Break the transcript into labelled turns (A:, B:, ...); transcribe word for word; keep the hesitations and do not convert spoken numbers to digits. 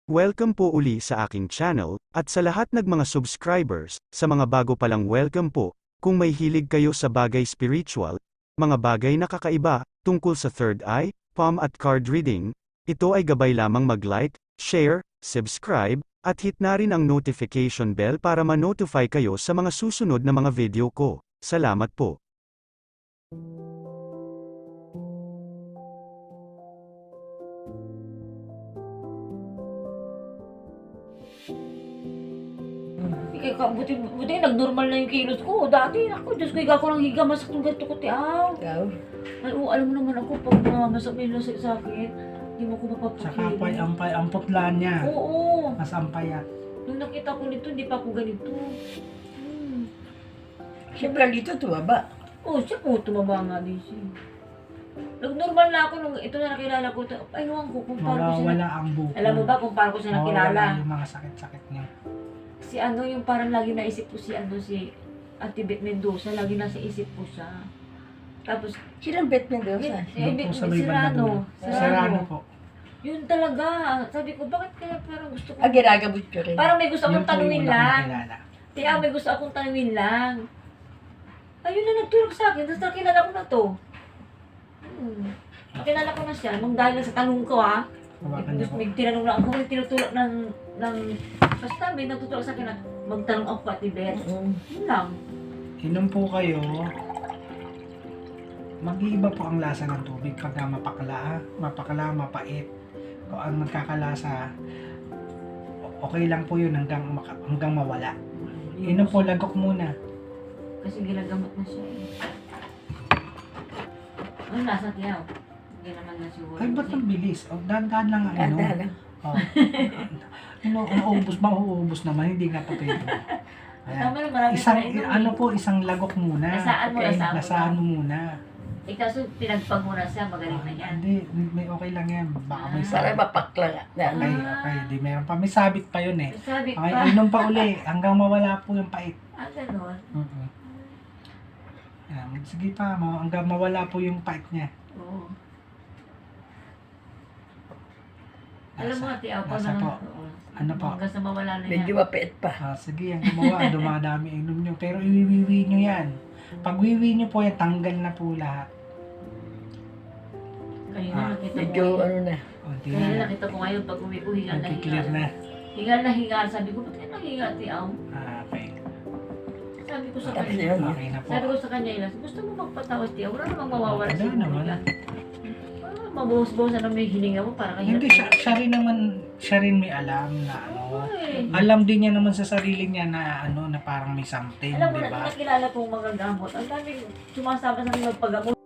A: Welcome po uli sa aking channel, at sa lahat ng mga subscribers, sa mga bago palang welcome po, kung may hilig kayo sa bagay spiritual, mga bagay na kakaiba, tungkol sa third eye, palm at card reading, ito ay gabay lamang mag-like, share, subscribe, at hit na rin ang notification bell para ma-notify kayo sa mga susunod na mga video ko. Salamat po.
B: Ikaw, buti, buti nag-normal na yung kilos ko. Dati, ako, Diyos ko, higa ko lang higa, masak ng ganito ko, tiaw.
C: Ikaw?
B: Ay, oo, alam mo naman ako, pag namamasak may lasik sa akin, hindi mo ko
D: Saka
B: mapapakili.
D: ampay, ampay, ang putla niya.
B: Oo.
D: Mas ampayat.
B: Nung nakita ko nito, hindi pa ako ganito. Hmm.
C: Siyempre dito tumaba.
B: Oo, siya po, tumaba nga din siya. Nag-normal na ako nung ito na nakilala ko. Ay, huwag ko, kung paano ko siya.
D: Mawawala
B: na-
D: ang buko.
B: Alam mo ba kung paano ko siya nakilala?
D: Mawawala yung mga sakit-sakit niya.
B: Si ano, yung parang lagi naisip ko si ano, si Ate Beth Mendoza, lagi nasa isip ko siya. Tapos,
C: Sinang bet Mendoza?
B: eh,
D: Doon
B: eh,
D: po
B: si
D: sa may banda
B: Serrano.
D: dulo. Serrano po.
B: Yun talaga. Sabi ko, bakit kaya parang gusto ko?
C: Ah, ginagabot ko rin.
B: Parang may gusto akong
D: Yun po yung
B: tanungin
D: una kong
B: lang.
D: nakilala.
B: Tiya, may gusto akong tanungin lang. Ayun na nagtulog sa akin. Tapos nakilala ko na to. Hmm. Nakilala ko na siya. Nung dahil lang sa tanong ko ha.
D: Hawakan niya po.
B: May tinanong lang ako. May tinutulog ng, ng... Basta may nagtutulog sa akin na magtanong ako Ate Beth.
C: Mm.
B: Yun lang.
D: Inom po kayo. Mag-iiba po ang lasa ng tubig pagka mapakla, mapakla, mapait. Kung ang nagkakalasa, okay lang po yun hanggang, maka- hanggang mawala. Inom po, lagok muna.
B: Kasi ginagamot na siya eh. Ano nasa tiyaw? Hindi naman na siguro.
D: Ay, ba't ang bilis? O, dahan-dahan lang ang
C: Tanda
D: inom.
C: lang.
D: Oh. Ano, nauubos ba? Uuubos naman, hindi nga pa pwede. Ayan.
B: Tama na marami
D: Isang,
B: pa rin,
D: ano po, isang lagok muna.
B: Nasaan mo,
C: Okay,
B: nasaan mo.
D: Nasaan mo muna.
B: Eh kaso pinagpag mo na siya, magaling na yan.
D: Hindi, may okay lang yan. Baka may
B: Ah.
C: Para
D: sabit.
C: mapakla nga. Na,
D: Okay, okay. Di meron pa. May sabit pa yun eh.
B: Sabi
D: Okay,
B: pa,
D: inom pa uli. Hanggang mawala po yung pait.
B: ah ganon.
D: Mm-mm. Ayan, sige pa, ma- hanggang mawala po yung pait niya.
B: Oo. Alam mo ate, ako
D: nasa
B: na.
D: po.
B: Oo.
D: Ano po?
B: Hanggang sa mawala na
C: medyo
B: yan.
C: mapait pa.
D: Ah, sige, ang gumawa, dumadami inom nyo. Pero iwiwiwi nyo yan. Pag wiwi nyo po yan, tanggal na po lahat.
B: Kanina
D: Ah,
B: nakita ko
C: Medyo
B: ngayon.
C: ano na.
D: O, di
B: Kanina
D: na.
B: nakita ko ngayon pag uwi ko, hingal na
D: Nagkiklear
B: hingal.
D: na.
B: Hingal na hingal. Sabi ko, ba't ka nanghinga ate Aw?
D: Ah, okay.
B: Sabi ko sa
C: Tapos
B: kanya.
C: yun.
D: Okay na po.
B: Sabi ko sa kanya, Ilas, gusto mo magpatawas tiya? Wala namang mawawala
D: Wala
B: siguro
D: naman.
B: ka. Ah, mabuhos-buhosan na may hininga mo para kahirap.
D: Hindi, siya, siya rin naman, siya rin may alam na ano.
B: Ay.
D: Alam din niya naman sa sarili niya na ano, na parang may something,
B: Alam mo
D: di
B: na,
D: ba?
B: nakilala kong mga gamot. Ang daming sumasama sa mga paggamot.